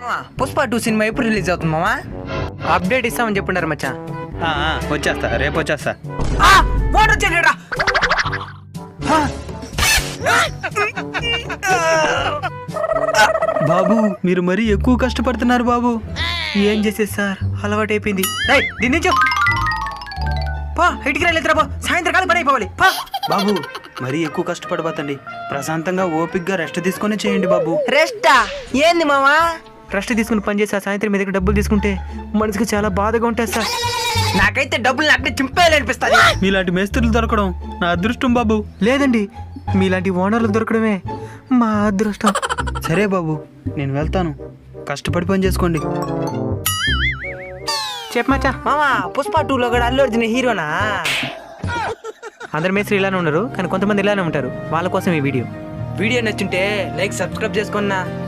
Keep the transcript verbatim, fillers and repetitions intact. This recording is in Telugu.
పుష్ప టూ సినిమా ఎప్పుడు రిలీజ్ అవుతుంది మామా? అప్డేట్ ఇస్తామని చెప్పుండారు మచ్చా. వచ్చేస్తా, రేపు వచ్చేస్తా. బాబు మీరు మరీ ఎక్కువ కష్టపడుతున్నారు బాబు. ఏం చేసేది సార్, అలవాటు అయిపోయింది. దీని నుంచి పా ఇంటికి రాలేదురా బా, సాయంత్రం కాలం పని అయిపోవాలి. పా బాబు మరీ ఎక్కువ కష్టపడబోతండి, ప్రశాంతంగా ఓపిక్గా రెస్ట్ తీసుకొని చేయండి బాబు. రెస్టా ఏంది మామా? రెస్ట్ తీసుకుని పని చేసి ఆ సాయంత్రం మీ దగ్గర డబ్బులు తీసుకుంటే మనసుకి చాలా బాధగా ఉంటుంది సార్. నాకైతే డబ్బులు నాకు చింపేయాలనిపిస్తుంది. మీలాంటి మేస్త్రులు దొరకడం నా అదృష్టం బాబు. లేదండి, మీలాంటి ఓనర్లు దొరకడమే మా అదృష్టం. సరే బాబు నేను వెళ్తాను, కష్టపడి పని చేసుకోండి. చెప్పమచ్చా. మామా పుష్ప టూ లో కూడా అల్లు అర్జున్ హీరోనా? అందరి మేస్త్రి ఇలానే ఉన్నారు, కానీ కొంతమంది ఇలానే ఉంటారు. వాళ్ళ కోసం ఈ వీడియో వీడియో నచ్చుంటే లైక్ సబ్స్క్రైబ్ చేసుకున్నా.